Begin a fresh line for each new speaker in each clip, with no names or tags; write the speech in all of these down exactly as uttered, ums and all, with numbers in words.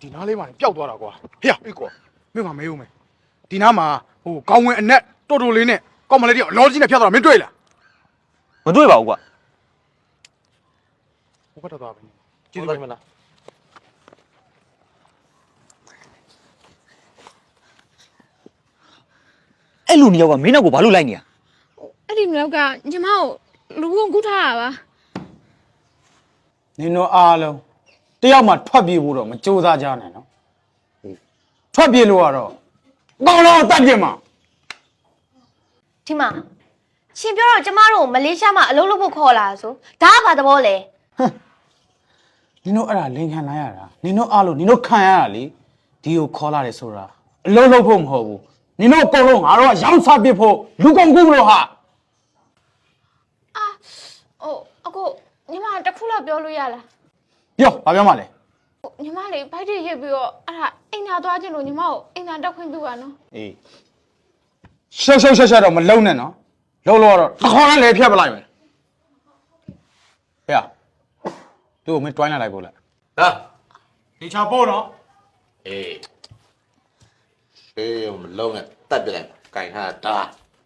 ဒီနားလေးမှာပျောက်သွားတာကွာဟေ့အေးကွာမင်းကမေးဦးမယ်ဒီနားမှာဟိုကောင်းဝင်အနက်တော်တော်လေးနဲ့ကောင်းမလေးတယောက်လောကြီးနဲ့ဖြတ်သွားတာမင်းတွေ့လား
မတွေ့ပါဘူးကွာ
ဟိုဘက်တော့သွားပြီကျေးဇူးပဲမလား
အဲ့လူနှစ်ယောက်ကမင်းနောက်ကိုဘာလို့လိုက်နေရ
အဲ့ဒီနောက်ကညီမကိုလူကုန်ကူးထားတာပါ
နင်တို့အားလုံးတယောက်မှထွက်ပြေးဖို့တော့မကြိုးစားကြနဲ့နော်ထွက်ပြေးလို့ကတော့အကောင်လုံးတတ်ပြစ်မှာ
ဒီမှာရှင်ပြောတော့ကျမတို့မလေးရှားမှာအလုပ်လုပ်ဖို့ခေါ်လာဆိုဒါကဘာသဘောလဲ
နင်တို့အဲ့ဒါလင်ခံလိုက်ရတာနင်တို့အားလုံးနင်တို့ခံရတာလေဒီကိုခေါ်လာတယ်ဆိုတာအလုပ်လုပ်ဖို့မဟုတ်ဘူးနင်တို့အကုန်လုံးငါတို့ကရောင်းစားပစ်ဖို့လူကုန်ကူးလို့ဟာ
အာဟိုအခုညီမတစ်ခုလောက်ပြောလို့ရလား
ပြောဘာပြောမှလဲ
ညီမလေးဘိုက်တွေရိပ်ပြီးတော့အဲ့ဒါအိမ်သာသွားခြင်းလို့ညီမကိုအိမ်သာတက်ခွင့်ပြုပါနော်
အေးရှော့ရှော့ရှော့ရှော့တော့မလုံနဲ့နော်လုံလို့တော့တခေါင်းနဲ့လေဖြတ်ပလိုက်မယ်ဟဲ့သူ့ကိုမင်းတွိုင်းလာလိုက်ပို့လိုက်
ဟာ
ဒီချာပို့နော်
အေးရှေးမလုံးနဲ့တတ်ပြလိုက်ကင်ထားတာ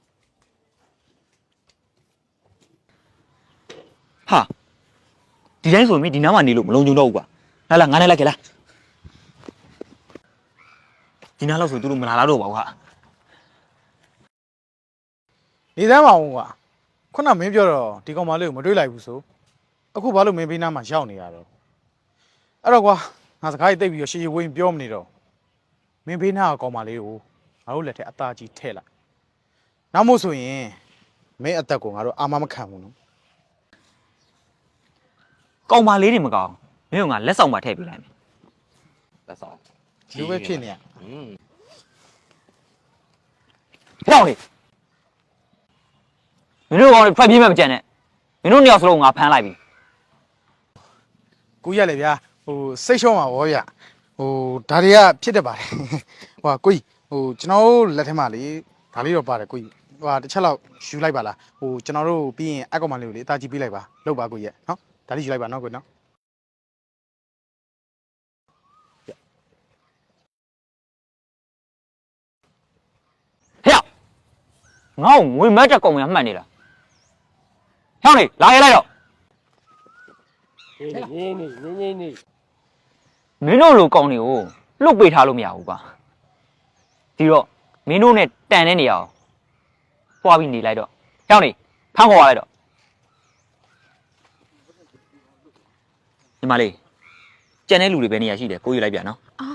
ဟာဒီတိုင်းဆိုရင်ဒီနားမှာနေလို့မလုံးကြုံတော့ဘူးကွာလာလာငါနဲ့လိုက်ခဲ့လားဒီနားလောက်ဆိုသူတို့မလာတော့ပါဘူးဟာ
နေသမ်းပါဦးကွာခုနမင်းပြောတော့ဒီကောင်မလေးကိုမတွေးလိုက်ဘူးဆိုအခုဘာလို့မင်းဘေးနားမှာရောက်နေရတော့အဲ့တော့ကွာငါစကားကြီးတိတ်ပြီးတော့ရှေ့ရှေ့ဝင်းပြောမနေတော့မင်းဘေးနားကကောင်မလေးကိုငါတို့လက်ထက်အသားကြီးထဲ့လိုက်နောက်မို့ဆိုရင်မင်းအသက်ကိုငါတို့အာမမခံဘူးနော်
ကောင်မလေးတွေမကောင်းမင်းကငါလက်ဆောင်ပါထည့်ပေးလိုက်မယ်
လက်ဆောင်
လူပဲဖြစ်နေရ
อืม
ဟောင်းလေမင်းတို့ကောင်တွေဖက်ပြေးမှမကြံနဲ့မင်းတို့နှစ်ယောက်စလုံးငါဖမ်းလိုက်ပြီ
ကိုကြီးရလေဗျာဟိုစိတ်ရှုံးပါဗောဗျဟိုဒါတွေကဖြစ်တတ်ပါတယ်ဟိုကိုကြီးဟိုကျွန်တော်တို့လက်ထက်မှာလေဒါလေးတော့ပါတယ်ကိုကြီးဟိုတစ်ချက်လောက်ယူလိုက်ပါလားဟိုကျွန်တော်တို့ပြီးရင်အကောင်မလေးကိုလေအသားကြီးပေးလိုက်ပါလောက်ပါကိုကြီးရနော်ဒါလေးယူလိုက်ပါနော်ကိုနော်
ဟဲ့ငါ့ကိုငွေမတ်တက်ကောင်များမှတ်နေလားဟောင်းလေလာရဲလိုက်တော့
နေနေနေနေနေ
မင်းတို့လိုကောင်တွေကိုလှုပ်ပေးထားလို့မရဘူးကွာဒီတော့မင်းတို့နဲ့တန်တဲ့နေရာကိုပွားပြီးနေလိုက်တော့ဟောင်းလေဖမ်းခေါ်ရလိုက်တော့ညီမလေးကြံတဲ့လူတွေပဲနေရာရှိတယ်ကိုယူလိုက်ပြန်နော်
အာ